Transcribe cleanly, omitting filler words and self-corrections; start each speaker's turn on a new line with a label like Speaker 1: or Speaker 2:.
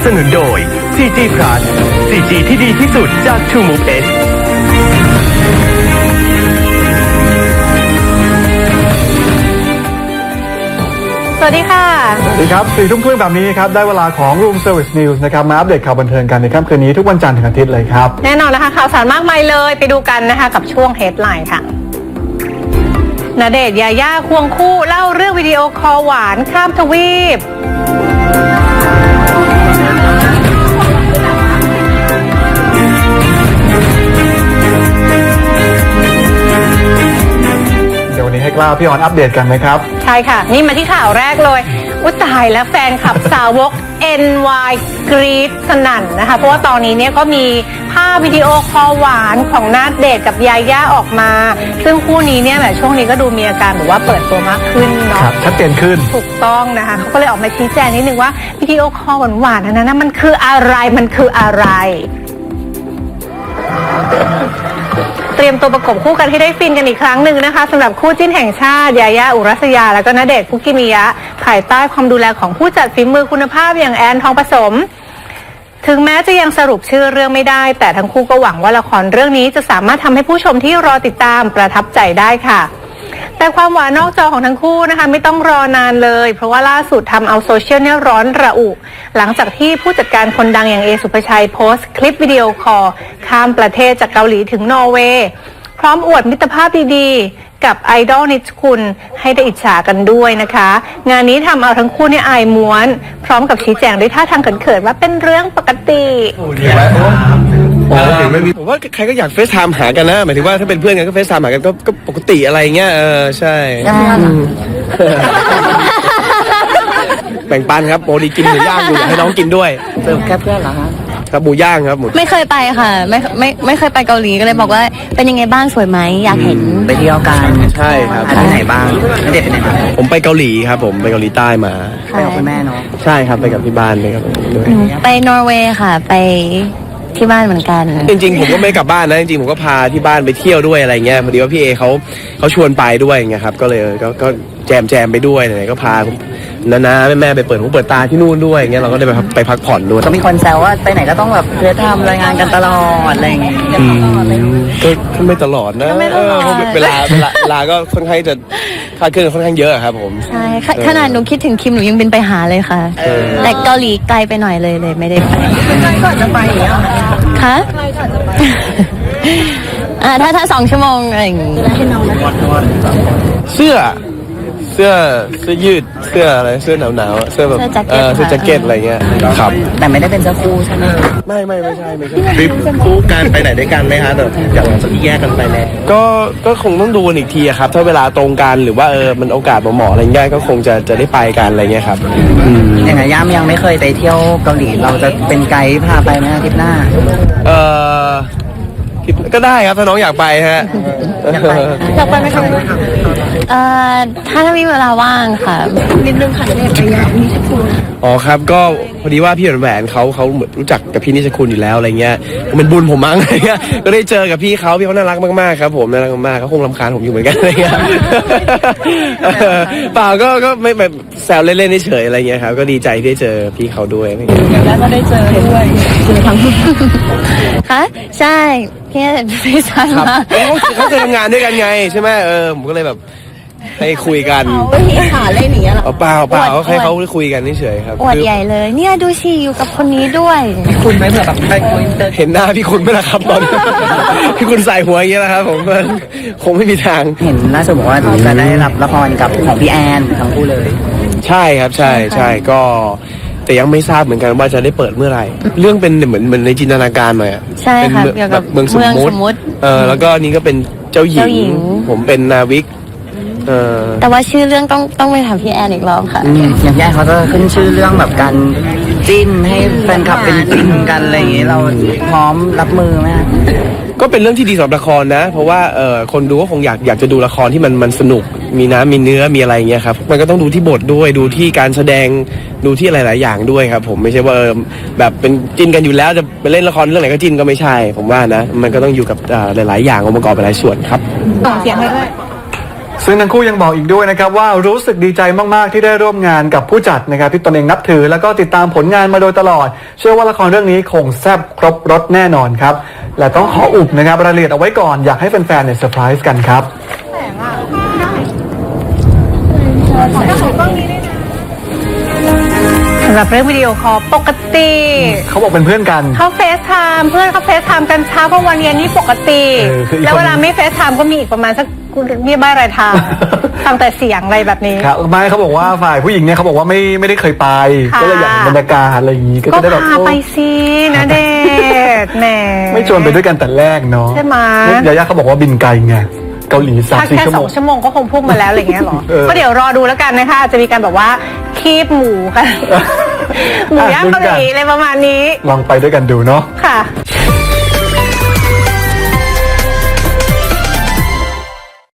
Speaker 1: สนุนโดย 4G Plus 4G ที่ดีที่สุดจาก True Move S
Speaker 2: สวัสดีค่ะ
Speaker 3: สวัสดีครับ4 ทุ่มครึ่งแบบนี้ครับได้เวลาของ Room Service News นะครับมาอัปเดตข่าวบันเทิงกันในค่ำคืนนี้ทุกวันจันทร์ถึงอาทิตย์เลยครับ
Speaker 2: แน่นอนนะคะข่าวสารมากมายเลยไปดูกันนะคะกับช่วง Headline ค่ะณเดชน์ยาย่าควงคู่เล่าเรื่องวิดีโอคอลหวานข้ามทวีป
Speaker 3: เดี๋ยววันนี้ให้กล้าพี่ออนอัปเดตกันไหมครับ
Speaker 2: ใช่ค่ะนี่มาที่ข่าวแรกเลยอุยตายแล้วแฟนคลับสาวก NY กรี๊ดสนั่นนะคะเพราะว่าตอนนี้เนี่ยก็มีภาพวิดีโอคอลหวานของณเดชน์กับยาย่าออกมาซึ่งคู่นี้เนี่ยแบบช่วงนี้ก็ดูมีอาการแบบว่าเปิดตัวมากขึ้นเนาะ
Speaker 3: ชัดเจนขึ้น
Speaker 2: ถูกต้องนะคะเขาก็เลยออกมาชี้แจงนิดนึงว่าวิดีโอคอลหวานๆนั้นนะมันคืออะไรเตรียมตัวประกบคู่กันให้ได้ฟินกันอีกครั้งหนึ่งนะคะสำหรับคู่จิ้นแห่งชาติยาย่าอุรัสยาแล้วก็ณเดชน์คุกิมิยะภายใต้ความดูแลของผู้จัดฝีมือคุณภาพอย่างแอนทองผสมถึงแม้จะยังสรุปชื่อเรื่องไม่ได้แต่ทั้งคู่ก็หวังว่าละครเรื่องนี้จะสามารถทำให้ผู้ชมที่รอติดตามประทับใจได้ค่ะแต่ความหวานนอกจอของทั้งคู่นะคะไม่ต้องรอนานเลยเพราะว่าล่าสุดทำเอาโซเชียลเนี่ยร้อนระอุหลังจากที่ผู้จัดการคนดังอย่างเอสุภชัยโพสต์คลิปวิดีโอคอลข้ามประเทศจากเกาหลีถึงนอร์เวย์พร้อมอวดมิตรภาพดีๆกับไอดอลนิชคุณให้ได้อิจฉากันด้วยนะคะงานนี้ทำเอาทั้งคู่เนี่ยอายม้วนพร้อมกับชี้แจงด้วยท่าทางเขินๆว่าเป็นเรื่องปกติ
Speaker 4: ผมว่าใครก็อยากเฟซไทม์หากันนะหมายถึงว่าถ้าเป็นเพื่อนกันก็เฟซไทม์หากันก็ปกติอะไรเงี้ยใช่แบ่งปันครับโมดีกินหมูย่างอยู่อยากให้น้องกินด้วย
Speaker 5: เติมแค่เพื่อนเหรอคะ
Speaker 4: ครับหมูย่างครับหมู
Speaker 6: ไม่เคยไปค่ะไม่เคยไปเกาหลีก็เลยบอกว่าเป็นยังไงบ้างสวยไหมอยากเห็น
Speaker 5: ไปเที่ยวกัน
Speaker 4: ใช่ครับ
Speaker 5: ที่ไหนบ้างไม่เด็ดไปไหนมา
Speaker 4: ผมไปเกาหลีครับผมไปเกาหลีใต้มา
Speaker 5: ไปกับคุณแม่เนาะ
Speaker 4: ใช่ครับไปกับที่บ้านไปกับด้วย
Speaker 6: ไปนอร์เวย์ค่ะไปที่บ้านเหมือนกัน
Speaker 4: จริงๆผมก็ไม่กลับบ้านนะจริงๆผมก็พาที่บ้านไปเที่ยวด้วยอะไรเงี้ยพอดีว่าพี่เอเขาชวนไปด้วยไงครับก็เลยก็แจมไปด้วยไหนก็พาน้าแม่ไปเปิดตาที่นู่นด้วยเงี้ยเราก็ได้ไปพักผ่อนด้วย
Speaker 5: ก็มีคนแซวว่าไปไหนก็ต้องแบบเพื่อทำรายงานกันตลอดอะไรอย่างเงี้ย
Speaker 4: ก็ไม่ตลอดนะเวลาก็ค่อนข้างจะคาดเคลื่อนค่อนข้างเยอะครับผม
Speaker 6: ใช่ขนาดหนูคิดถึงคิมหนูยังบินไปหาเลยค่ะแต่เกาหลีไกลไปหน่อยเลยไม่ได้ไป
Speaker 5: ใกล้ก่อนจะไป
Speaker 6: คะถ้า2 ชั่วโมงอะไรอย่างงี้
Speaker 4: เสื้อยืดเสื้ออะไรเสื้อหนาวเสื้อแบบเสื้อแจ็คเก็ตอะไรเงี้ยครับ
Speaker 5: แต่ไม่ได้เป็นเสื้อคู่ใช่ไหม
Speaker 4: ไม่ใช่ทริปคู่กันไปไหนด้วยกันไหมฮะแต่อย่างจากที่แยกกันไปแล้วก็คงต้องดูอีกทีครับถ้าเวลาตรงกันหรือว่ามันโอกาสเหมาะอะไรเงี้ยก็คงจะได้ไปกันอะไรเงี้ยครับ
Speaker 5: อย่างไรย่ามยังไม่เคยไปเที่ยวเกาหลีเราจะเป็นไกด์พาไปไหมอาทิตย์หน้า
Speaker 4: ก็ได้ครับถ้าน้องอยากไปฮะ
Speaker 6: อยากไปไหมคะถ้ามีเวลาว่างค่ะนิดนึงค่ะเด็กไปยาวนิชคุณ
Speaker 4: อ๋อครับก็พอดีว่าพี่แหวนเขาเหมือนรู้จักกับพี่นิชคุณอยู่แล้วอะไรเงี้ยมันบุญผมมั้งอะไรเงี้ยก็ได้เจอกับพี่เขาน่ารักมากๆครับผมน่ารักมากเขาคงรำคาญผมอยู่เหมือนกันอะไรเงี้ยเปล่าก็ไม่แบบแซวเล่นๆเฉยๆอะไรเงี้ยครับก็ดีใจที่ได้เจอพี่เขาด้วย
Speaker 5: แล้วก็ได้เจอด้วย
Speaker 6: ทั้งค่ะใช่พี่พี่ชายมา
Speaker 4: เขาเคยทำงานด้วยกันไงใช่ไหมผมก็เลยแบบให้คุยกัน
Speaker 6: หาเล่นอย่างเงี้ยหรอ
Speaker 4: เปล่าให้เขาคุยกันเฉยๆครับ
Speaker 6: อวดใหญ่เลยเนี่ยดูสิอยู่กับคนนี้ด้วย
Speaker 5: คุณไม่เผื่อแบบไปคุย
Speaker 4: เห็นหน้าพี่คุณไหมล่ะครับตอนพี่คุณใส่หัวอย่างเงี้ยนะครับผมคงไม่มีทาง
Speaker 5: เห็นล่าสุดบอกว่าจะได้รับละครกับของพี่แอนทั้งคู่เลย
Speaker 4: ใช่ครับใช่ก็แต่ยังไม่ทราบเหมือนกันว่าจะได้เปิดเมื่อไหร่เรื่องเป็นเหมือนในจินตนาการหน่อย
Speaker 6: ใช่ค่ะเกี่ยวกับ
Speaker 4: เมืองสมมุติแล้วก็นี่ก็เป็นเจ้าหญิงผมเป็นนาวิก
Speaker 6: แต่ว่าชื่อเรื่องต้องไปถามพี่แอนอีกรอบค่ะ
Speaker 5: อย่างแย่เขาจะขึ้นชื่อเรื่องแบบการจิ้นให้แฟนคลับเป็นจิ้นกันอะไรอย่างเงี้ยเราพร้อมรับมือไหม
Speaker 4: ก็เป็นเรื่องที่ดีสำหรับละครนะเพราะว่าคนดูก็คงอยากจะดูละครที่มันสนุกมีน้ำมีเนื้อมีอะไรเงี้ยครับมันก็ต้องดูที่บทด้วยดูที่การแสดงดูที่หลายๆอย่างด้วยครับผมไม่ใช่ว่าแบบเป็นจิ้นกันอยู่แล้วจะไปเล่นละครเรื่องไหนก็จิ้นก็ไม่ใช่ผมว่านะมันก็ต้องอยู่กับหลายๆอย่างองค์ประกอบหลายส่วนครับ
Speaker 2: ส่งเสียงให้ด้วย
Speaker 3: ซึ่งทั้งคู่ยังบอกอีกด้วยนะครับว่ารู้สึกดีใจมากๆที่ได้ร่วมงานกับผู้จัดนะครับที่ตนเองนับถือแล้วก็ติดตามผลงานมาโดยตลอดเชื่อว่าละครเรื่องนี้คงแซ่บครบรสแน่นอนครับและต้องขออุบนะครับรายละเอียดเอาไว้ก่อนอยากให้แฟนๆเนี่ยเซอร์ไพรส์กันครับ
Speaker 2: สำหรับเรื่องวิดีโอคอลปกติ
Speaker 3: เขาบอกเป็นเพื่อนกัน
Speaker 2: เขาเฟซไทม์เพื่อนเขาเฟซไทม์กันเช้ากลางวันเย็นนี่ปกติ
Speaker 3: คืออีกคน
Speaker 2: แล้วเวลาไม่เฟซไทม์ก็มีอีกประมาณสักมีบ้ารายทาง ฟังแต่เสียงอะไรแบบนี้
Speaker 3: ครับไม่เขาบอกว่าฝ่ายผู้หญิงเนี่ยเขาบอกว่าไม่ได้เคยไป
Speaker 2: ค่ะ
Speaker 3: ก็เลยอยากเห็นบรรยากาศอะไรอย่างนี้ก็
Speaker 2: ก็
Speaker 3: จะได้แบบ
Speaker 2: พาไปสินะเดชน์แหม
Speaker 3: ไม่ชวนไปด้วยกันแต่แรกเนาะ
Speaker 2: ใช่ไหม
Speaker 3: ยาย่าเขาบอกว่าบินไกลไงเกาหลี
Speaker 2: ถ้า
Speaker 3: 3-4
Speaker 2: แค่
Speaker 3: ชั่ว
Speaker 2: ส
Speaker 3: โม
Speaker 2: อง งชั่วโมงก็คงพุ่งมาแล้วอะไรเงี้ยหรอ ก็เดี๋ยวรอดูแล้วกันนะคะอาจจะมีการแบบว่าคีบหมูกัน หมูย่างเกาหลีอะไรประมาณนี้
Speaker 3: ลองไปด้วยกันดูเนาะ
Speaker 2: ค่ะ